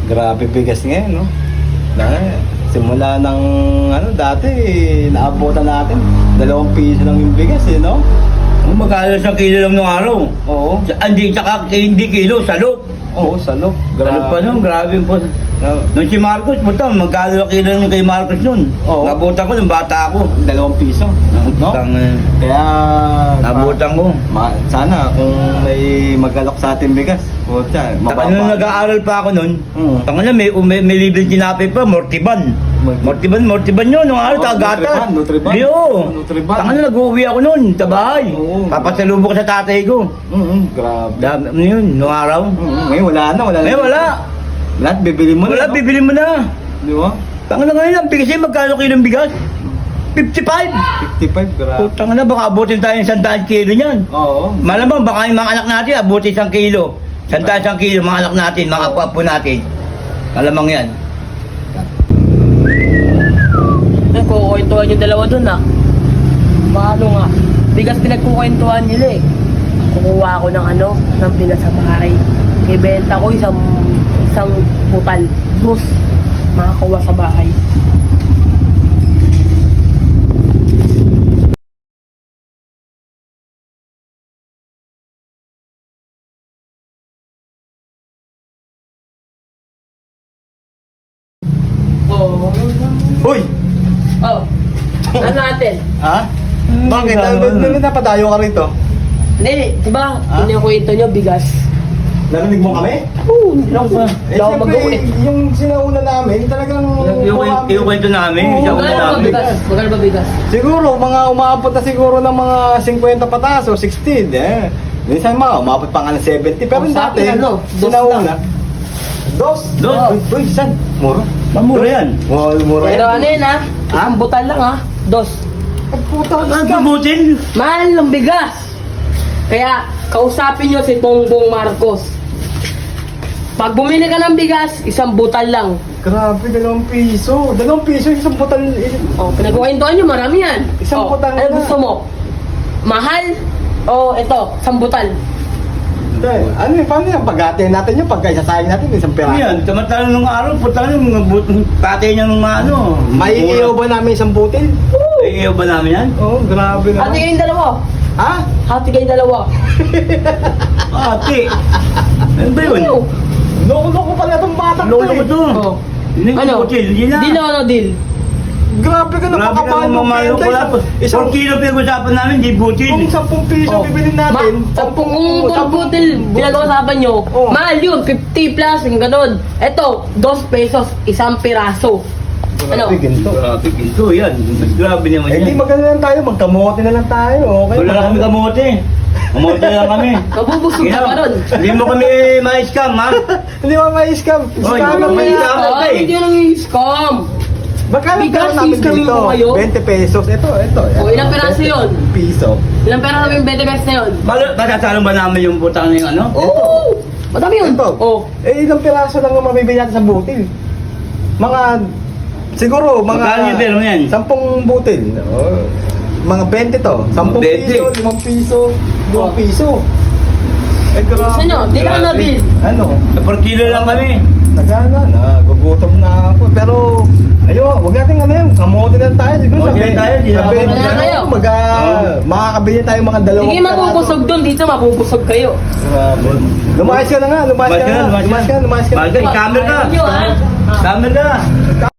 Grabe bigas ngayon, no? Dahil, simula ng, dati, naabutan natin. 2 piso lang yung bigas, no? Magkano sa kilo lang nung araw? Oo. Hindi, tsaka hindi kilo, salok. Oo, salok. Salok pa nun, grabe po. Nung si Marcos, puta, magkano kilo yung kay Marcos nun? Oo. Nabutan ko nung bata ako. 2 piso. No? Kaya, Nabutan ko. sana kung may mag-alok sa ating bigas. Puta, Taka nung nag-aaral pa ako nun, tanga na may libre tinapay pa, Mortiban. Mortiban yun, nung araw, tagata. Nutriban. Nutriban. Tanga na nag-uwi ako nun, sa bahay. Oo. Papasalubok ko sa tatay ko. Grabe. Ano yun, nung araw. Ngayon wala na. Eh, wala. Lahat bibili mo Wala, na. No? bibili mo na. Di ba? Tanga na ngayon, ang bigas eh, magkano kilo ng bigas? 55. 55, grabe. Putang na, baka abutin tayo ng 100 kilo niyan. Oo. Malamang baka yung mga anak natin abutin 1 kilo. 100 kilo, mga anak natin, mga apo natin. Malamang yan. Nagkukwentuhan yung dalawa dun ah. Paano nga? Bigas pinagkukwentuhan nila eh. Kukuha ako ng bigas sa bahay. Ibenta ko isang putal. Dos. Makakuha sa bahay. Oo. Hoy! Oh. Ano natin? Ha? Bakit? Bakit napadayo ka rito? Hindi, di ba? Ah? Kinukwento nyo bigas. Narinig mo kami? Oo, hindi lang ba? Hindi ako Siyempre, mag-uwi. yung sinauna namin, talagang... Yung kwento namin, yung Magkano ba namin. bigas? Magkano ba bigas? Siguro, mga umaabot na siguro ng mga 50 pataas o 60, eh. Minsan mga umabot pa nga ng 70, pero Oh, sa dati, akin, dos sinauna. lang. Dos? Dos? Uy, san? Mura? Mamura yan. Mura Pero ano yun ha? Ang butal lang ha? Dos. Ay, puta, Ang pabutin. Mahal ng bigas. Kaya, kausapin nyo si Bongbong Marcos. Pag bumili ka ng bigas, isang butal lang. Grabe, 2 piso. 2 piso, isang butal. O, pinagkukwentuhan nyo, marami yan. Isang O, butal ano na. gusto mo? Mahal? O, ito, isang butal. Ano yun, paano yan? Pag-atin natin yun, pagka-isasayang natin, isang Ano piraso. yan, samantalang nung araw, putang yung tatay niya nung ano. May iyo ba namin isang butil? May iyo ba namin yan? Oo, grabe na. Hati kayong dalawa. Ha? Hati kayong dalawa. Ate. Ano ba yun? Ano? Loko-loko pala itong batang Lolo ko to. O. Hindi Ano? butil, hindi na. Deal o ano deal? Grabe ka, Grabe ka napakapahal mo. mamalo ko lang. Isang 4 kilo pinag-usapan namin, di butil. kung 10 piso Oh. bibilin natin. Kung butil, pinag-uusapan nyo, Oh. mahal yun, 50 plus, yung ganun. Ito, 2 pesos, isang piraso. Ano? Grabe, ginto. Grabe, ginto yan. Grabe naman Eh, di yan. maganda lang tayo, magkamote na lang tayo. Okay? Wala kami kamote. Kamote lang kami. Mabubusog ka pa nun. Hindi mo kami ma-scam, ha? Hindi mo ma-scam. Oy, Scam may na scam. yan. Oh, hindi nang i-scam. Magkano Bigas, pera namin i-scam dito? mo kayo? 20 pesos. Ito. Oh, ilang peraso 20 yun? Piso. Ilang pera namin 20 pesos na yun? Pagkasalong ba namin yung putang na yung ano? Oo! Madami yun. Ito. Oh. Eh, ilang piraso lang ang mabibili natin sa butil? Siguro, Magkano yung pera mo yan? 10 butil. Oh. Mga 20 to. 10 20. piso, 5 piso, 2 piso. Eh, grabe. Gusto nyo, di ka na bill. Ano? 4 kilo lang kami. Nagana na, gugutom na ako. Pero, ayun, wag natin yun, kamote na tayo. Siguro Kamote na tayo, di na sabi, ako na kayo. makakabili tayo mga 2 Sige, mabubusog doon. Dito, mabubusog kayo. Grabe. Lumayas ka na nga, lumayas ka na. Lumayas ka na. Lumayas ka na. Bagay, camera ka. Ayaw nyo, ha? Camera ka.